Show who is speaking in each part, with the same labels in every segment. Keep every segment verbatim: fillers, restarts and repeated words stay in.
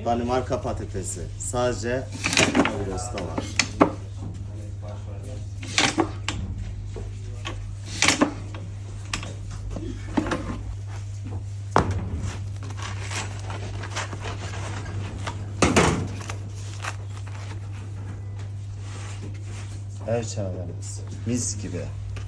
Speaker 1: Danimarka patatesi. Sadece Migros'ta var. Ev çaylarımız. Mis gibi.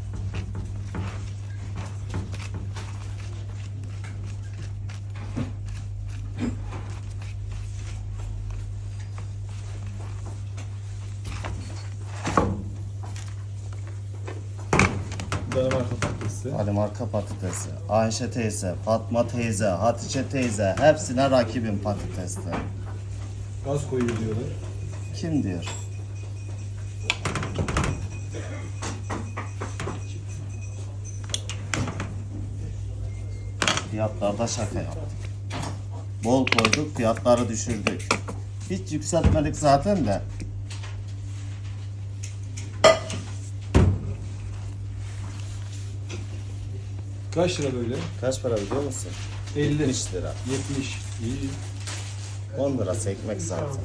Speaker 2: Danimarka patatesi.
Speaker 1: Danimarka patatesi. Ayşe teyze, Fatma teyze, Hatice teyze hepsine rakibim patatesler.
Speaker 2: Gaz koyuyor diyorlar.
Speaker 1: Kim diyor? Fiyatlarda şaka yaptık. Bol koyduk, fiyatları düşürdük. Hiç yükseltmedik zaten de.
Speaker 2: Kaç lira böyle?
Speaker 1: Kaç para biliyor musun?
Speaker 2: elli.
Speaker 1: yetmiş lira.
Speaker 2: yetmiş. İyi.
Speaker 1: on lirası ekmek zaten.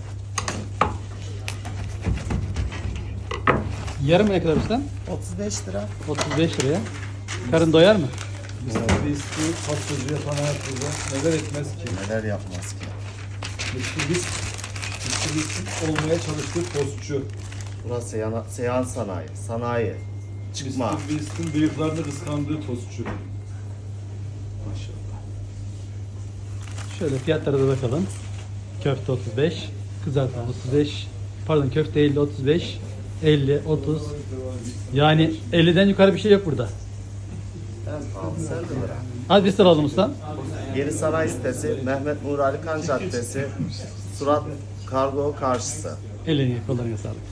Speaker 3: Yarım ne kadar usta?
Speaker 1: otuz beş lira.
Speaker 3: otuz beş liraya. Karın doyar mı?
Speaker 2: Mesela riskli pastacı yapan hayatımızda neler etmez ki?
Speaker 1: Neler yapmaz ki?
Speaker 2: Riskli risk. Riskli risk olmaya çalıştığı tostçu.
Speaker 1: Burası seyhan, seyhan sanayi. Sanayi. Çıkma.
Speaker 2: Riskli riskin bıyıklarını kıskandığı tostçu. Maşallah.
Speaker 3: Şöyle fiyatlara da bakalım. Köfte otuz beş, kızartma otuz beş, pardon köfte elli, otuz beş, elli, otuz. Yani elliden yukarı bir şey yok burada.
Speaker 1: En pahalı sen de bırak.
Speaker 3: Hadi biz alalım usta.
Speaker 1: Yeni Sanayi sitesi, Mehmet Nur Ali Kan Caddesi, Surat Kargo karşısı.
Speaker 3: Eline kollarına sağlık.